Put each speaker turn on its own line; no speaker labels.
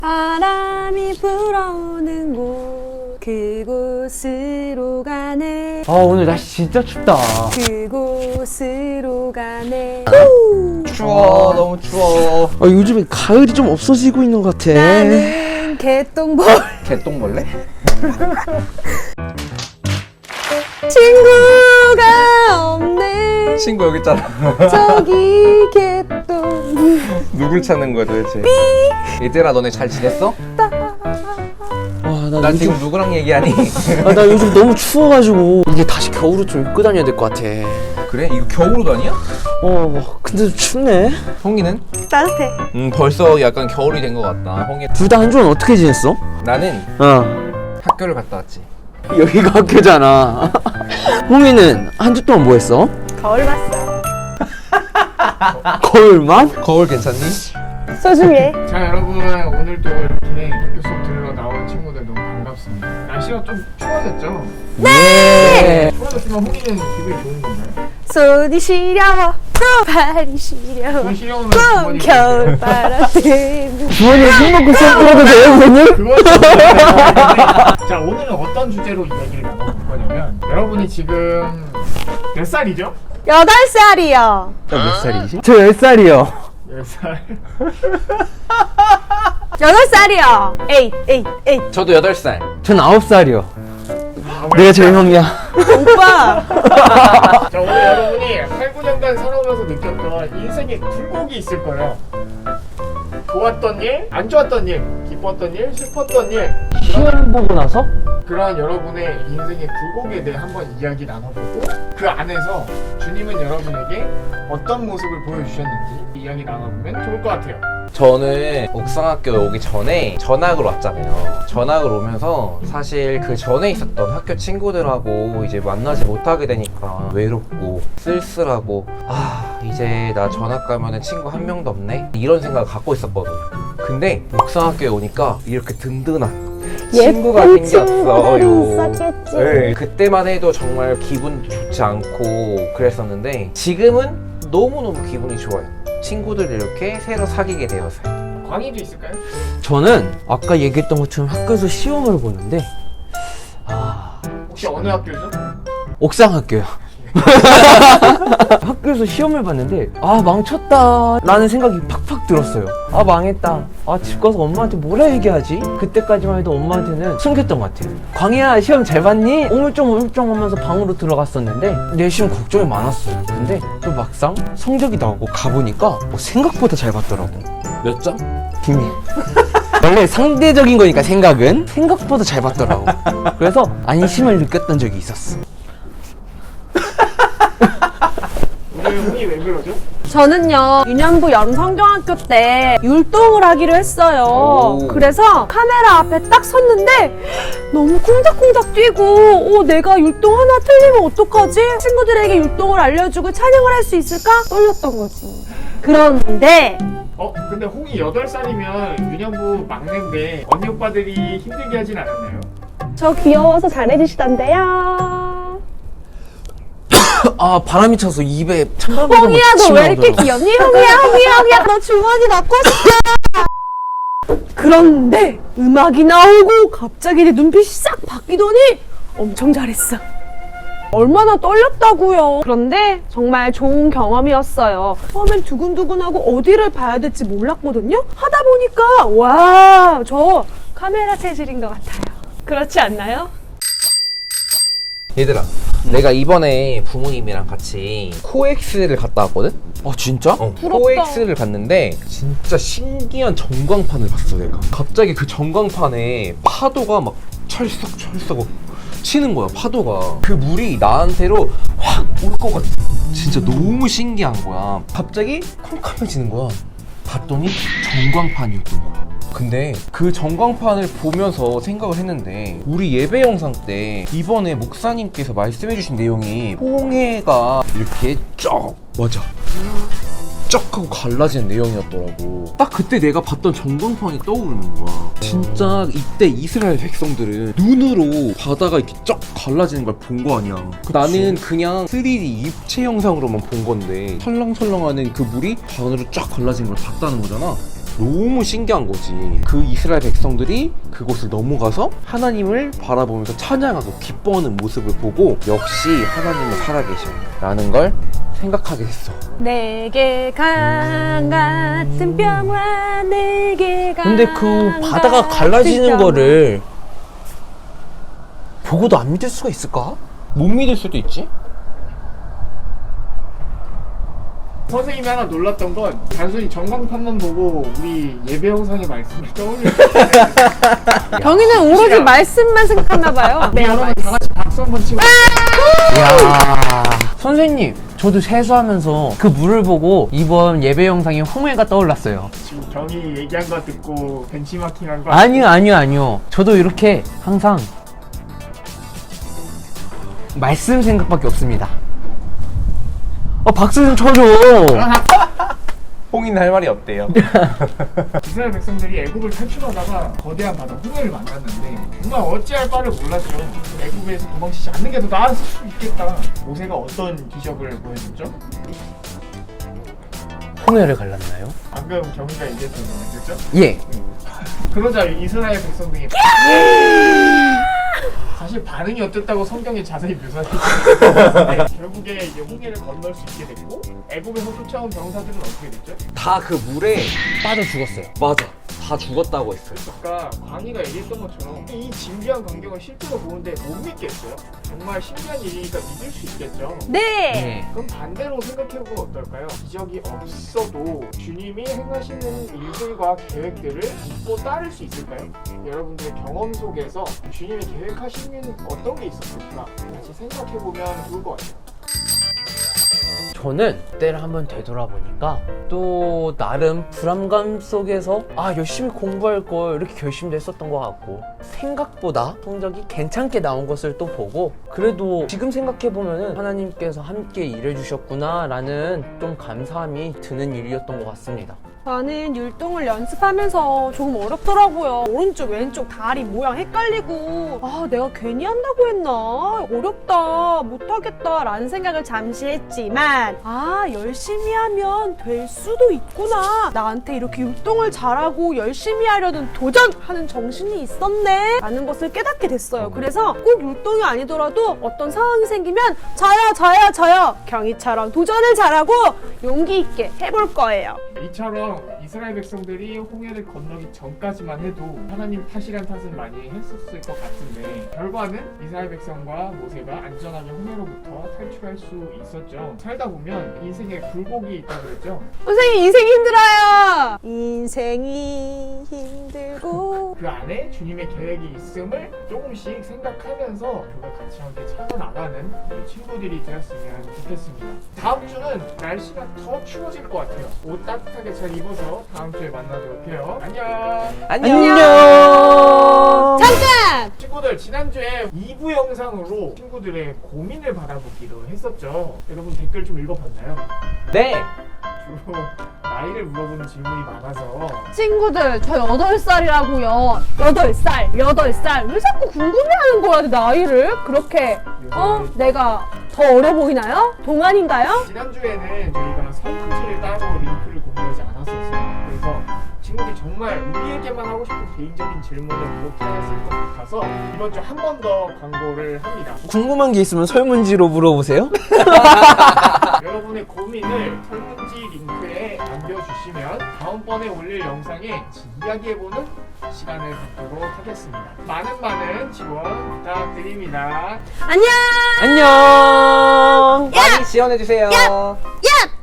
바람이 불어오는 곳 그곳으로 가네.
아 오늘 날씨 진짜 춥다.
그곳으로 가네.
추워, 너무 추워.
요즘에 가을이 좀 없어지고 있는 것 같아.
나는 개똥볼.
개똥벌레?
친구가 없네.
친구 여기 있잖아.
저기 개똥.
누굴 찾는 거야 도대체? 얘들아, 너네 잘 지냈어?
나
나
요즘
지금 누구랑 얘기하니?
나 요즘 너무 추워가지고 이제 다시 겨울옷 좀 입고 다녀야 될 것 같아.
그래? 이거 겨울옷 아니야?
근데 좀 춥네.
홍이는?
따뜻해.
벌써 약간 겨울이 된 것 같다. 홍이.
둘 다 한 주는 어떻게 지냈어?
나는
어,
학교를 갔다 왔지.
여기가 학교잖아. 홍이는 한 주 동안 뭐 했어?
거울 봤어.
거울만?
거울 괜찮니?
소중해.
자 여러분, 오늘도 이렇게 학교 수업 들으러 나온 친구들 너무 반갑습니다. 날씨가 좀 추워졌죠?
네.
추워졌지만 홍이는 기분이 좋은 건가요?
손이 시려워 또 발이 시려워
돈 시려우면
또
주머니
겨울바람 때문에.
주머니에 술 먹고 수업 들어도 돼요, 부모님?
그건 자, 오늘은 어떤 주제로 이야기를 나눠볼 거냐면, 여러분이 지금 몇 살이죠?
8살이요.
몇 살이지? 저 10살이요.
10살.
8살이요. 에잇.
저도 8살.
전 9살이요. 내가 제일 형이야.
오빠.
자, 오늘 여러분이 8, 9년간 살아오면서 느꼈던 인생의 굴곡이 있을 거예요. 좋았던 일, 안 좋았던 일, 기뻤던 일, 슬펐던 일,
시험 보고 나서?
그러한 여러분의 인생의 굴곡에 대해 한번 이야기 나눠보고, 그 안에서 주님은 여러분에게 어떤 모습을 보여주셨는지 이야기 나눠보면 좋을 것 같아요.
저는 옥상학교 오기 전에 전학을 왔잖아요. 전학을 오면서 사실 그 전에 있었던 학교 친구들하고 이제 만나지 못하게 되니까 외롭고 쓸쓸하고, 이제 나 전학 가면은 친구 한 명도 없네? 이런 생각을 갖고 있었거든요. 근데 옥상학교에 오니까 이렇게 든든한 친구가
예쁜
생겼어요.
친구들이 있었겠지.
네, 그때만 해도 정말 기분도 좋지 않고 그랬었는데 지금은 너무너무 기분이 좋아요. 친구들 이렇게 새로 사귀게 되어서요.
광희도 있을까요?
저는 아까 얘기했던 것처럼 학교에서 시험을 보는데
혹시 어느 학교죠?
옥상학교요. 학교에서 시험을 봤는데 망쳤다 라는 생각이 팍팍 들었어요. 망했다. 집 가서 엄마한테 뭐라 얘기하지? 그때까지만 해도 엄마한테는 숨겼던 것 같아요. 광희야, 시험 잘 봤니? 오물쩡오물쩡 하면서 방으로 들어갔었는데 내 시험 걱정이 많았어요. 근데 또 막상 성적이 나오고 가보니까 생각보다 잘 봤더라고.
몇 점?
비밀. 원래 상대적인 거니까 생각은 생각보다 잘 봤더라고. 그래서 안심을 느꼈던 적이 있었어.
오늘 홍이 왜 그러죠?
저는요, 유년부 여름성경학교 때 율동을 하기로 했어요.
오.
그래서 카메라 앞에 딱 섰는데 너무 쿵닥쿵닥 뛰고 내가 율동 하나 틀리면 어떡하지? 친구들에게 율동을 알려주고 찬양을 할 수 있을까? 떨렸던 거지. 그런데
근데 홍이 8살이면 유년부 막내인데 언니 오빠들이 힘들게 하진 않았나요?
저 귀여워서 잘해주시던데요.
바람이 차서 입에 찬바람이
홍이야, 너 왜 이렇게 귀엽니? 홍이야, 너 주머니 넣고 싶어. 그런데 음악이 나오고 갑자기 내 눈빛이 싹 바뀌더니 엄청 잘했어. 얼마나 떨렸다고요. 그런데 정말 좋은 경험이었어요. 처음엔 두근두근하고 어디를 봐야 될지 몰랐거든요. 하다 보니까 와, 저 카메라 체질인 것 같아요. 그렇지 않나요?
얘들아, 내가 이번에 부모님이랑 같이 코엑스를 갔다 왔거든?
진짜?
코엑스를 갔는데 진짜 신기한 전광판을 봤어. 내가 갑자기 그 전광판에 파도가 막 철썩 치는 거야. 파도가 그 물이 나한테로 확 올 것 같아. 진짜 너무 신기한 거야. 갑자기 캄캄해지는 거야. 봤더니 전광판이었던 거야. 근데 그 전광판을 보면서 생각을 했는데, 우리 예배 영상 때 이번에 목사님께서 말씀해주신 내용이 홍해가 이렇게 쫙 하고 갈라지는 내용이었더라고. 딱 그때 내가 봤던 전광판이 떠오르는 거야. 진짜 이때 이스라엘 백성들은 눈으로 바다가 이렇게 쫙 갈라지는 걸 본 거 아니야. 나는 그냥 3D 입체 영상으로만 본 건데 설렁설렁하는 그 물이 바다로 쫙 갈라지는 걸 봤다는 거잖아. 너무 신기한 거지. 그 이스라엘 백성들이 그곳을 넘어가서 하나님을 바라보면서 찬양하고 기뻐하는 모습을 보고 역시 하나님은 살아계셔 라는 걸 생각하게 됐어.
내게 강 같은 평화 내게 강
근데 그 바다가 갈라지는 거를 보고도 안 믿을 수가 있을까?
못 믿을 수도 있지?
선생님이 하나 놀랐던 건 단순히 전광판만 보고 우리 예배 영상의 말씀을 떠올릴
경희는 오로지 말씀만 생각하나 봐요.
네, 여러분 다 같이 박수 한번 치고
이야. 선생님, 저도 세수하면서 그 물을 보고 이번 예배 영상에 홍해가 떠올랐어요.
지금 경희 얘기한 거 듣고 벤치마킹한 거
아니요. 저도 이렇게 항상 말씀 생각밖에 없습니다. 박수 좀 쳐줘.
홍인 할 말이 없대요.
이스라엘 백성들이 애굽을 탈출하다가 거대한 바다 홍해를 만났는데 정말 어찌할 바를 몰랐죠. 애굽에서 도망치지 않는 게 더 나았을 수 있겠다. 모세가 어떤 기적을 보여줬죠?
홍해를 갈랐나요?
방금 경희가 얘기했던 거죠?
예.
그러자 이스라엘 백성들이 사실 반응이 어땠다고 성경에 자세히 묘사되어 있는데 결국에 이제 홍해를 건널 수 있게 됐고 애굽에서 쫓아온 병사들은 어떻게 됐죠?
다 그 물에
빠져 죽었어요.
맞아. 다 죽었다고 했어요.
아까 광희가 얘기했던 것처럼 이 진비한 광경을 실제로 보는데 못 믿겠어요? 정말 신기한 일이니까 믿을 수 있겠죠?
네.
그럼 반대로 생각해보면 어떨까요? 기적이 없어도 주님이 행하시는 일들과 계획들을 믿고 따를 수 있을까요? 여러분들의 경험 속에서 주님이 계획하시는 어떤 게 있었을까? 같이 생각해보면 좋을 것 같아요.
저는 그때를 한번 되돌아보니까 또 나름 불안감 속에서 열심히 공부할 걸 이렇게 결심도 했었던 것 같고 생각보다 성적이 괜찮게 나온 것을 또 보고 그래도 지금 생각해보면 하나님께서 함께 일해주셨구나 라는 좀 감사함이 드는 일이었던 것 같습니다.
저는 율동을 연습하면서 조금 어렵더라고요. 오른쪽 왼쪽 다리 모양 헷갈리고 내가 괜히 한다고 했나? 어렵다 못하겠다 라는 생각을 잠시 했지만 열심히 하면 될 수도 있구나. 나한테 이렇게 율동을 잘하고 열심히 하려는 도전하는 정신이 있었네 라는 것을 깨닫게 됐어요. 그래서 꼭 율동이 아니더라도 어떤 상황이 생기면 저요 경희처럼 도전을 잘하고 용기 있게 해볼 거예요.
이처럼 이스라엘 백성들이 홍해를 건너기 전까지만 해도 하나님 탓이란 탓을 많이 했었을 것 같은데 결과는 이스라엘 백성과 모세가 안전하게 홍해로부터 탈출할 수 있었죠. 살다 보면 인생에 굴곡이 있다고 그랬죠.
선생님 인생이 힘들어요. 인생이 힘들고
그 안에 주님의 계획이 있음을 조금씩 생각하면서 그걸 같이 함께 찾아나가는 우리 친구들이 되었으면 좋겠습니다. 다음 주는 날씨가 더 추워질 것 같아요. 옷 따뜻하게 잘 입어서 다음 주에 만나도록 해요. 안녕.
잠깐!
친구들 지난주에 2부 영상으로 친구들의 고민을 받아보기로 했었죠. 여러분 댓글 좀 읽어봤나요?
네.
주로 나이를 물어보는 질문이 많아서
친구들 저 8살이라고요. 8살 왜 자꾸 궁금해하는 거야 내 나이를? 그렇게 내가 더 어려 보이나요? 동안인가요?
지난주에는 저희가 설문지를 따로 링크를 공유하지 않았었어요. 그래서 친구들이 정말 우리에게만 하고 싶은 개인적인 질문을 그렇게 했을 것 같아서 이번 주 한 번 더 광고를 합니다.
궁금한 게 있으면 설문지로 물어보세요.
여러분의 고민을 설문지 링크에 남겨주시면 다음번에 올릴 영상에 이야기해보는 시간을 갖도록 하겠습니다. 많은 지원 부탁드립니다.
안녕!
안녕.
많이 지원해주세요.
야!